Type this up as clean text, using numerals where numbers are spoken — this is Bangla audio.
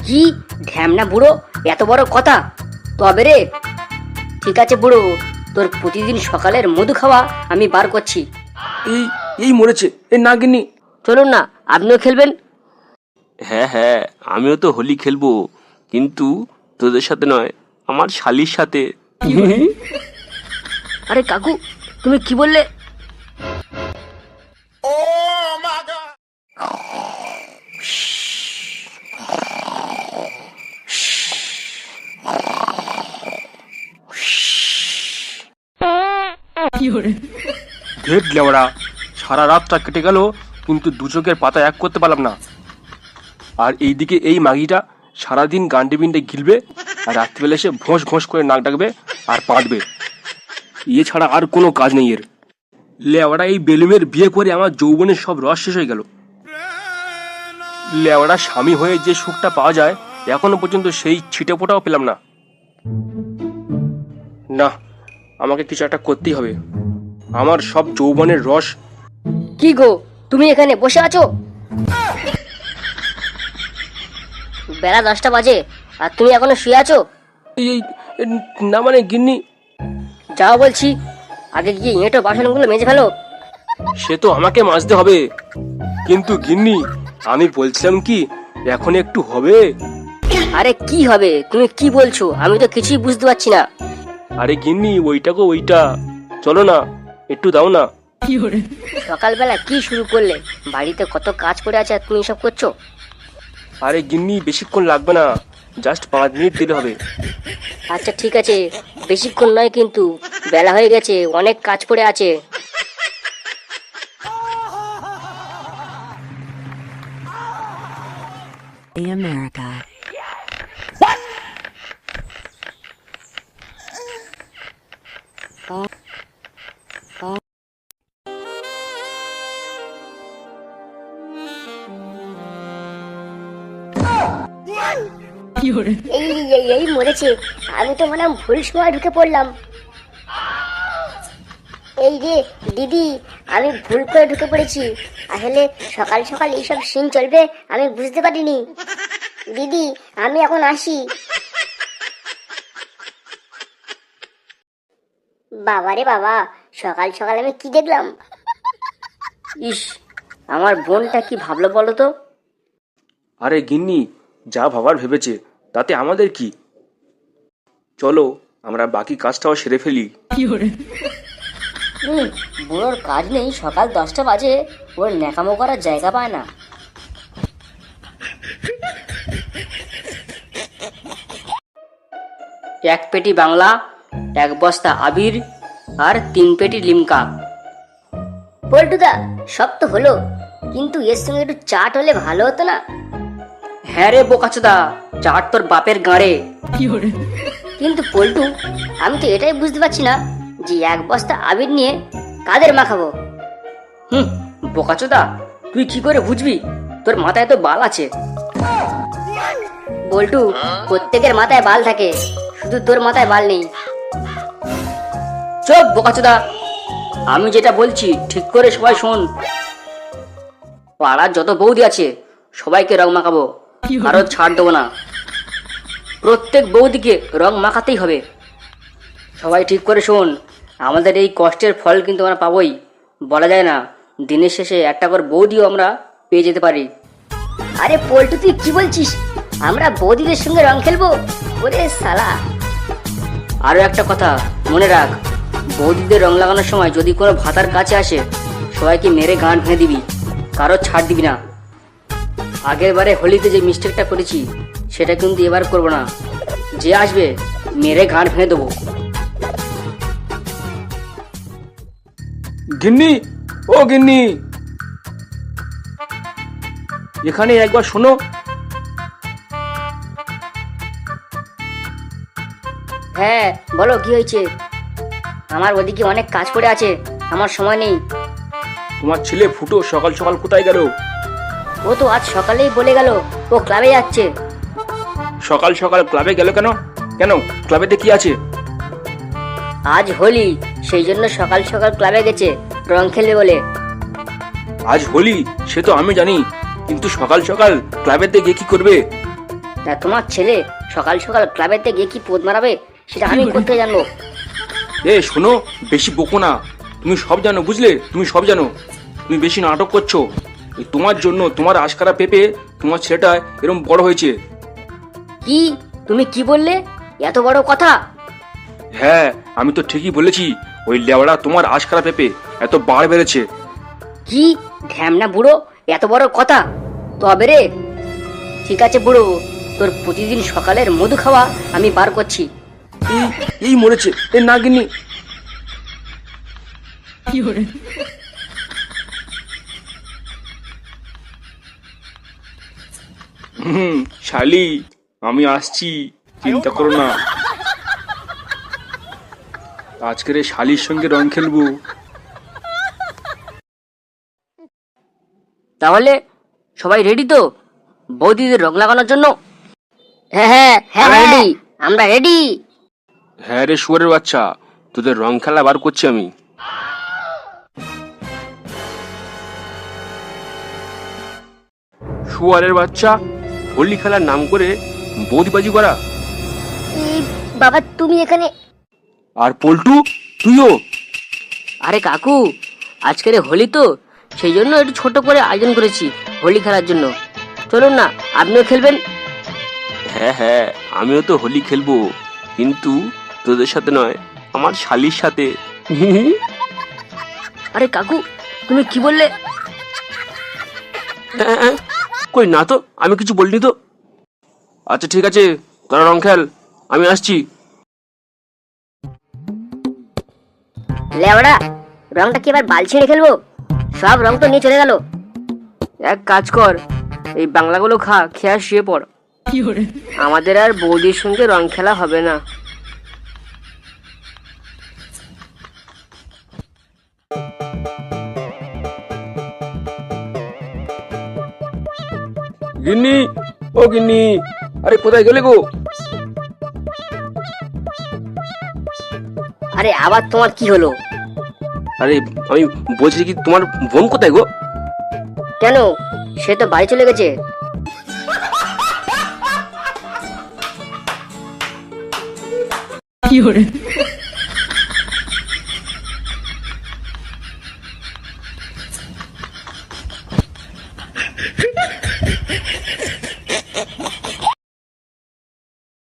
কি ঢ্যামনা বুড়ো, এত বড় কথা? তবে রে, ঠিক আছে বুড়ো, তোর প্রতিদিন সকালের মধু খাওয়া আমি বার করছি। এই এই মরেছে, এ না গিন্নি। চলুন না, আপনিও খেলবেন। হ্যাঁ হ্যাঁ, আমিও তো হোলি খেলবো, কিন্তু তোদের সাথে নয়, আমার শালির সাথে। আরে কাকু, তুমি কি বললে? ধেট লেওড়া, সারা রাতটা কেটে গেল কিন্তু দু চোখের পাতা এক করতে পারলাম না। আর এইদিকে এই মাগিটা সারাদিন গান্ডে বিন্ডে গিলবে, আর রাত্রিবেলা এসে ভোঁস ভোঁস করে নাক ডাকবে আর পাঁটবে। ইয়ে ছাড়া আর কোনো কাজ নেই এর। লেওড়া এই বেলুমের বিয়ে করে আমার যৌবনের সব রস শেষ হয়ে গেল। লেওড়া স্বামী হয়ে যে সুখটা পাওয়া যায় এখনো পর্যন্ত সেই ছিটে ফোটাও পেলাম না। না, আমাকে কিছু একটা করতেই হবে। আমার সব যৌবনের রস। কি গো, তুমি এখানে বসে আছো? বেলা 10টা বাজে আর তুমি এখনো শুয়ে আছো? এই না মানে গিন্নি, যাও বলছি, আগে গিয়ে এঁটো বাসনগুলো মেজে ফেলো। সে তো আমাকে মাজতে হবে, কিন্তু গিন্নি আমি বলছিলাম কি এখন একটু হবে? আরে কি হবে, তুমি কি বলছো? আমি তো কিছুই বুঝতে পারছি না। আরে গিন্নি, ওইটা গো ওইটা, চলো না, একটু দাও না। সকালবেলা কি শুরু করলে? বাড়িতে কত কাজ পড়ে আছে আর তুমি সব করছো? আরে গিন্নি, বেশিক্ষণ লাগবে না, জাস্ট 5 মিনিট দিলে হবে। আচ্ছা ঠিক আছে, বেশিক্ষণ নয় কিন্তু, বেলা হয়ে গেছে, অনেক কাজ পড়ে আছে। America. এই মরেছে, আমি তো মনে হয় ভুল সময় ঢুকে পড়লাম। এই রে দিদি, আমি ভুল করে ঢুকে পড়েছি। আসলে সকাল সকাল এইসব সিন চলবে আমি বুঝতে পারিনি। দিদি, আমি এখন আসি। বাবারে বাবা, সকাল সকাল আমি কি দেখলাম? ইস, আমার বোনটা কি ভাবলো বলো তো? আরে গিন্নি, যা ভাবার ভেবেছে, তাতে আমাদের কি? চলো আমরা বাকি কাজটাও সেরে ফেলি। বুড়োর কাজ নেই, সকাল 10টা বাজে, ওর ন্যাকামো করার জায়গা পায় না। এক পেটি বাংলা, 1 বস্তা আবির আর 3 পেটি লিমকা। পল্টুদা, সব তো হলো, কিন্তু এর সঙ্গে একটু চাট হলে ভালো হতো না? হ্যাঁ রে বোকাচোদা, চাট তোর বাপের গাঁড়ে। কিন্তু পল্টু, আমি তো এটাই বুঝতে পারছি না যে 1 বস্তা আবির নিয়ে কাদের মাখাবো? বোকাচোদা, তুই কি করে বুঝবি? তোর মাথায় তো বাল আছে। পল্টু, প্রত্যেকের মাথায় বাল থাকে, শুধু তোর মাথায় বাল নেই। চুপ বোকাচোদা, আমি যেটা বলছি ঠিক করে সবাই শোন। পাড়ার যত বৌদি আছে সবাইকে রং মাখাবো, কারো ছাড় দেবো না। প্রত্যেক বৌদিকে রং মাখাতেই হবে। সবাই ঠিক করে শোন, আমাদের এই কষ্টের ফল কিন্তু আমরা পাবোই। বলা যায় না, দিনের শেষে একটা করে বৌদিও আমরা পেয়ে যেতে পারি। আরে পল্টু, তুই কি বলছিস? আমরা বৌদিদের সঙ্গে রং খেলবো? ওরে শালা! আরো একটা কথা মনে রাখ, বৌদিদের রং লাগানোর সময় যদি কোনো ভাতার কাছে আসে, সবাইকে মেরে গান ভেঙে দিবি, কারো ছাড় দিবি না। আগের বারে হোলিতে যে মিস্টেকটা করেছি সেটা কিন্তু এবার করবো না। যে আসবে মেরে গান ভেঙে দেবো। গিন্নি, ও গিন্নি, এখানে একবার শোনো। হ্যাঁ বলো, কি হয়েছে? আমার ওদিকে অনেক কাজ পড়ে আছে, আমার সময় নেই। তোমার ছেলে ফুটো সকাল সকাল কোথায় গেল? ও তো আজ সকালেই বলে গেল ও ক্লাবে যাচ্ছে। সকাল সকাল ক্লাবে গেল কেন? কেন, ক্লাবেতে কি আছে? আজ হোলি, সেই জন্য সকাল সকাল ক্লাবে গেছে রং খেলবে বলে। আজ হোলি সে তো আমি জানি, কিন্তু সকাল সকাল ক্লাবেতে গিয়ে কি করবে? তা তোমার ছেলে সকাল সকাল ক্লাবেতে গিয়ে কি পোদ মারাবে সেটা আমি করতে জানবো। এ শোনো, বেশি বকো না। তুমি সব জানো, বুঝলে? তুমি সব জানো। তুমি বেশি নাটক করছো। এই তোমার জন্য, তোমার আশকারা পেপে তোমার ছেলেটা এরকম বড় হয়েছে। কি তুমি কি বললে? এত বড় কথা? হ্যাঁ, আমি তো ঠিকই বলেছি। ওই লেওড়া তোমার আশকারা পেপে এত বাড় বেড়েছে। কি ঢ্যামনা বুড়ো, এত বড় কথা? তবে রে, ঠিক আছে বুড়ো, তোর প্রতিদিন সকালের মধু খাওয়া আমি বার করছি। এই এই মরেছে, এ নাগিনি। শালি, আমি আসছি, চিন্তা করো না। আজকের এই শালির সঙ্গে রং খেলবো। তাহলে সবাই রেডি তো বৌদিদের রং লাগানোর জন্য? হ্যাঁ হ্যাঁ হ্যাঁ রেডি, আমরা রেডি। হ্যাঁ রে শুয়ারের বাচ্চা, তোদের রং খেলা বার করছি আমি। শুয়ারের বাচ্চা, হোলি খেলার নাম করে বৌদিবাজি করা। এই বাবা তুমি এখানে? আর পল্টু, তুইও? আরে কাকু, আজকের হোলি তো, সেই জন্য একটু ছোট করে আয়োজন করেছি হোলি খেলার জন্য। চলুন না, আপনিও খেলবেন। হ্যাঁ হ্যাঁ, আমিও তো হোলি খেলবো, কিন্তু তোদের সাথে নয়, আমার শালির সাথে। আরে কাকু, তুমি কি বললে? কই না তো, আমি কিছু বলিনি তো। আচ্ছা ঠিক আছে, তোরা রং খেল, আমি আসছি। লেওড়া, রংটা কি এবার বাল ছিঁড়ে খেলবো? সব রং তো নিয়ে চলে গেল। এক কাজ কর, এই বাংলাগুলো খা, খেয়ে আর শুয়ে পড়। আমাদের আর বৌদির সঙ্গে রং খেলা হবে না। গিন্নি, ও গিন্নি, আরে কোথায় গেলে গো? আরে আবার তোমার কি হলো? আরে আমি বলছি কি, তোমার বোন কোথায় গো? কেন, সে তো বাড়ি চলে গেছে। 有人。